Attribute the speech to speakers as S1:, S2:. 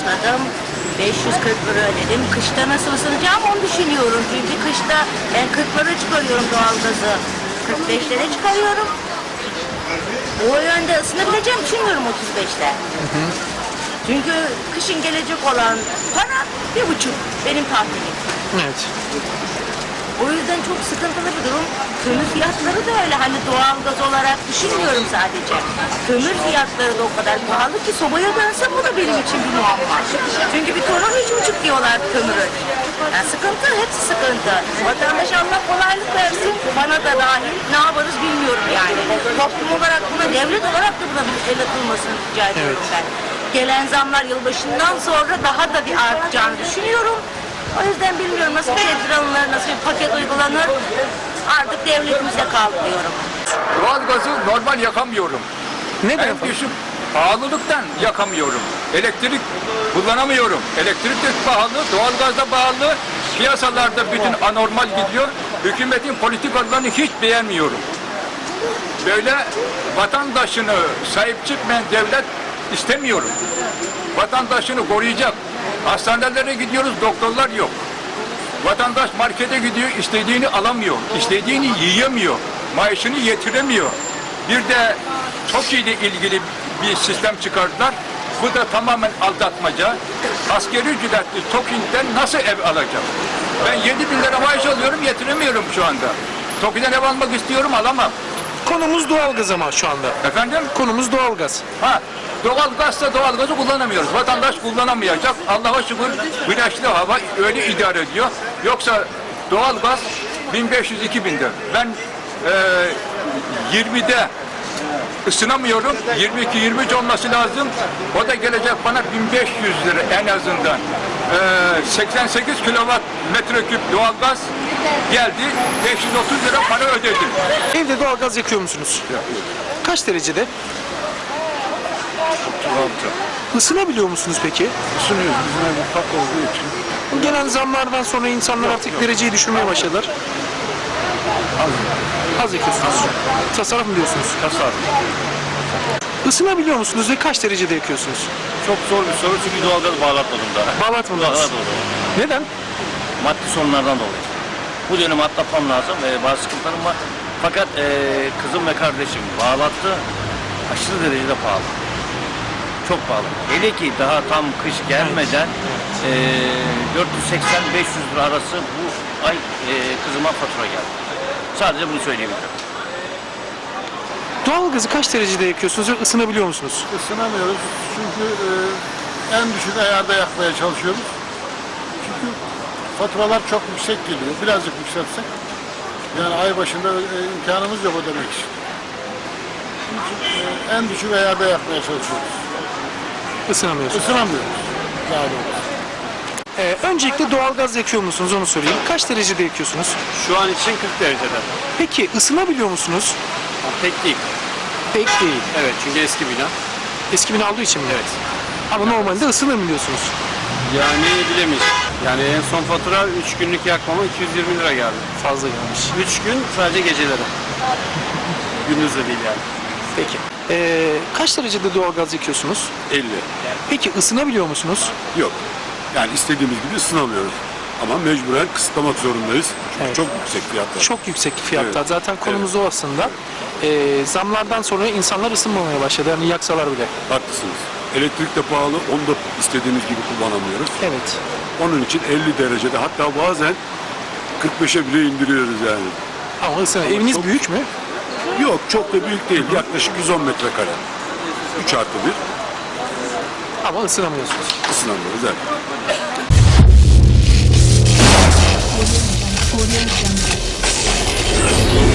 S1: başladım. 540 lira ödedim. Kışta nasıl ısınacağım onu düşünüyorum. Çünkü kışta ben 40 lira çıkarıyorum doğalgazı. 45'lere çıkarıyorum. O yönde ısınabileceğimi düşünmüyorum 35'te. Çünkü kışın gelecek olan para 1,5 benim tahminim.
S2: Evet.
S1: O yüzden çok sıkıntılı bir durum. Kömür fiyatları da öyle, hani doğalgaz olarak düşünmüyorum sadece. Kömür fiyatları da o kadar pahalı ki sobaya dönse bu da benim için bir muamma. Çünkü bir ton 3,5 diyorlar kömürün. Yani sıkıntı, hepsi sıkıntı. Vatandaş Allah kolaylık versin, bana da dahil. Ne yaparız bilmiyorum yani. Toplum olarak buna, devlet olarak da buna bir el atılmasını rica ediyorum ben. Gelen zamlar yılbaşından sonra daha da bir artacağını düşünüyorum. O yüzden bilmiyorum nasıl bir tedbir alınır, nasıl bir paket uygulanır. Artık devletimizde kaldı diyorum.
S3: Doğalgazı normal yakamıyorum.
S2: Neden
S3: En
S2: efendim?
S3: düşük pahalılıktan yakamıyorum. Elektrik kullanamıyorum. Elektrik de pahalı, doğalgaz da pahalı. Piyasalarda bütün anormal gidiyor. Hükümetin politikalarını hiç beğenmiyorum. Böyle vatandaşını sahip çıkmayan devlet istemiyorum. Vatandaşını koruyacak. Hastanelere gidiyoruz, doktorlar yok. Vatandaş markete gidiyor, istediğini alamıyor, istediğini yiyemiyor, maaşını yetiremiyor. Bir de TOKİ ile ilgili bir sistem çıkardılar. Bu da tamamen aldatmaca. Asgari ücretli TOKİ'den nasıl ev alacağım? Ben 7.000 lira maaş alıyorum, yetiremiyorum şu anda. TOKİ'den ev almak istiyorum, alamam.
S2: Konumuz doğalgaz ama şu anda.
S3: Efendim?
S2: Konumuz doğalgaz.
S3: Ha, doğalgazsa doğalgazı kullanamıyoruz. Vatandaş kullanamayacak. Allah'a şükür güneşli hava öyle idare ediyor. Yoksa doğalgaz 1500-2000'de. Ben 20'de ısınamıyorum. 22-23 olması lazım. O da gelecek bana 1500 lira en azından. 88 kilowatt metreküp doğalgaz geldi. 530 lira para ödedim.
S2: Evde doğalgaz yakıyor musunuz? Kaç derecede? Isınabiliyor musunuz peki?
S4: Isınıyoruz. Bizim ev ufak olduğu için.
S2: Bu gelen zamlardan sonra insanlar artık dereceyi düşürmeye başladılar. Az yakıyorsunuz. Tasarruf mu diyorsunuz?
S4: Tasarruf.
S2: Isınabiliyor musunuz ve kaç derecede yakıyorsunuz?
S4: Çok zor bir soru çünkü doğalgaz bağlatmadım daha.
S2: Bağlatmadınız.
S4: Bağlatmadım.
S2: Neden?
S4: Maddi sorunlardan dolayı. Bu dönemi atlatmam lazım. Bazı sıkıntılarım var. Fakat kızım ve kardeşim bağlattı. Aşırı derecede pahalı. Çok pahalı. Hele ki daha tam kış gelmeden 480-500 lira arası bu ay kızıma fatura geldi. Sadece bunu söyleyebilirim.
S2: Doğalgazı kaç derecede yakıyorsunuz ve ısınabiliyor musunuz?
S5: Isınamıyoruz çünkü en düşük ayarda yakmaya çalışıyoruz. Çünkü faturalar çok yüksek geliyor. Birazcık yükseltsek. Yani ay başında imkanımız yok ödemek için. Çünkü en düşük ayarda yakmaya çalışıyoruz.
S2: Isınamıyorsunuz.
S5: Isınamıyoruz. Daha doğrusu.
S2: Öncelikle doğalgaz yakıyor musunuz onu sorayım. Kaç derecede yakıyorsunuz?
S4: Şu an için 40 derecede.
S2: Peki ısınabiliyor musunuz?
S4: Pek değil.
S2: Pek değil.
S4: Evet çünkü eski bina.
S2: Eski bina olduğu için mi? Evet. Ama normalde ısınabiliyorsunuz.
S4: Yani bilemeyiz. Yani en son fatura 3 günlük yakmama 220 lira geldi.
S2: Fazla gelmiş.
S4: 3 gün sadece geceleri. Gündüz de değil yani.
S2: Peki. Kaç derecede doğalgaz yakıyorsunuz?
S6: 50.
S2: Peki ısınabiliyor musunuz?
S6: Yok. Yani istediğimiz gibi ısınamıyoruz. Ama mecburen kısıtlamak zorundayız. Çünkü
S2: Evet.
S6: çok yüksek fiyatlar.
S2: Çok yüksek fiyatlar.
S6: Evet.
S2: Zaten konumuz o aslında. Zamlardan sonra insanlar ısınmamaya başladı. Yani yaksalar bile.
S6: Haklısınız. Elektrik de pahalı. Onu da istediğimiz gibi kullanamıyoruz.
S2: Evet.
S6: Onun için 50 derecede hatta bazen 45'e bile indiriyoruz yani.
S2: Ama eviniz
S6: çok-
S2: büyük mü?
S6: Yok çok da büyük değil. Yaklaşık 110 metrekare. 3 artı 1
S2: Ama ısınamıyorsunuz.
S6: ısınamıyoruz. Evet.
S7: Audio Jungle.